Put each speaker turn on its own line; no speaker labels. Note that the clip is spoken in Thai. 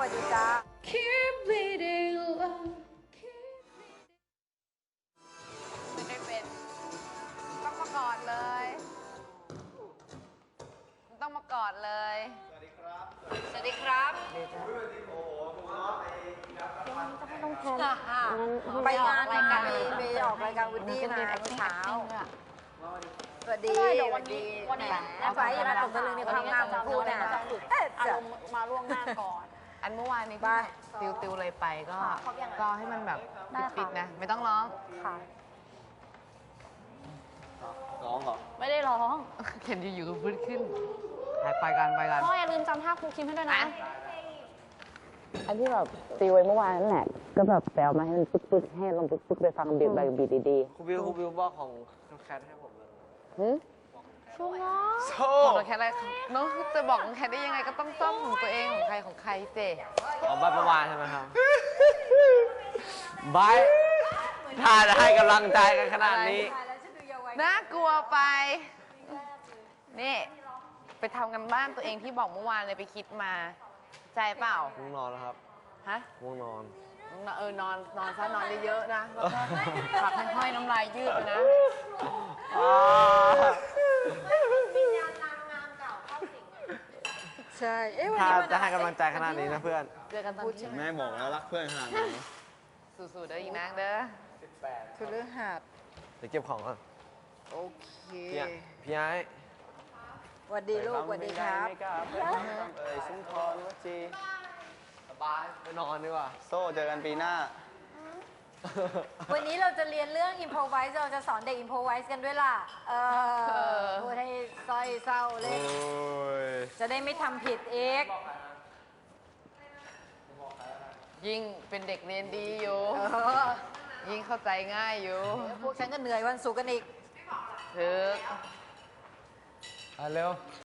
วัสดีจ้า
Keep bleeding love
ไม่ได้เป็นต้องมากอดเลย ต้องมากอดเลย สวัสดีครับ สวัสดีครับไปงานรายการไปออกรายการวูดดี้มาเมื่อเช้าสวัสดีสวัสดีวันนี้ไฟยังมาตกตะลึงในความงามของพูดนะอารมณ์มาล่วงหน้าก่อน
อันเมื่อวานนี้ที่ติวเลยไปก็ให้มันแบบปิดๆนะ ไม่ต้องร้อง
ค่ะ
ร้องเหรอ
ไม่ได้ร้อง
เห็นอยู่ๆก็พื้นขึ้นไปกัน
พ่ออย่าลืมจำท่าครูคิมให้ด้วยนะ
อันที่แบบตีไว้เมื่อวานนั่นแหละก็แบบแปลมาให้มันปึ๊กๆให้ลองปึ๊กๆไปฟังบีบแบบบีดี
ครูบิวบอกของแคทให้ผมเลย
ๆหึ
ชูง้อ
โซ่
บอกแค่อะไรน้องจะบอกแค่ได้ยังไงก็ต้องซ่อมของตัวเองของใครเจ
ของบ้านเมื่อวานใช่ไหมครับบายถ้าจะให้กำลังใจกันขนาดนี้
น่ากลัวไป นี่ ไปทำกันบ้านตัวเองที่บอกเมื่อวานเลยไปคิดมา ใจเปล่า
ง่วงนอนแล้วครับ
ฮะ
ง่วงนอน
นอนซะนอนเยอะๆนะ แล้วก็ผักให้ห้อยน้ำลายยืดไปนะ
ใช่เอ๊ะวัน
ถ้า
นี้วัน
จะให้กำลังใจขนาดนี้นะเพื่อน
เจอกันตอนที่
แม่บอกแล้วรักเพื่อนขนาดนี้
สู้ๆเด้ออีกนางเด้อ
คือเรื่องหัด
เดี๋ยวเก็บของก่อน
โอเค
พี่ไอ้
สวัสดีลูกสวัสดีครับ
ไม่กล้าไปชุมพรวัจีสบายไปนอนดีกว่า โซ่เจอกันปีหน้า
วันนี้เราจะเรียนเรื่อง improvise เราจะสอนเด็ก improvise กันด้วยล่ะ พูดให้ซอยเศร้าเลย จะได้ไม่ทำผิดเอก
ยิ่งเป็นเด็กเรียนดีอยู่ ยิ่งเข้าใจง่ายอยู่
พวกฉันก็เหนื่อยวันศุกร์กันอีก
ถึก
เร็ว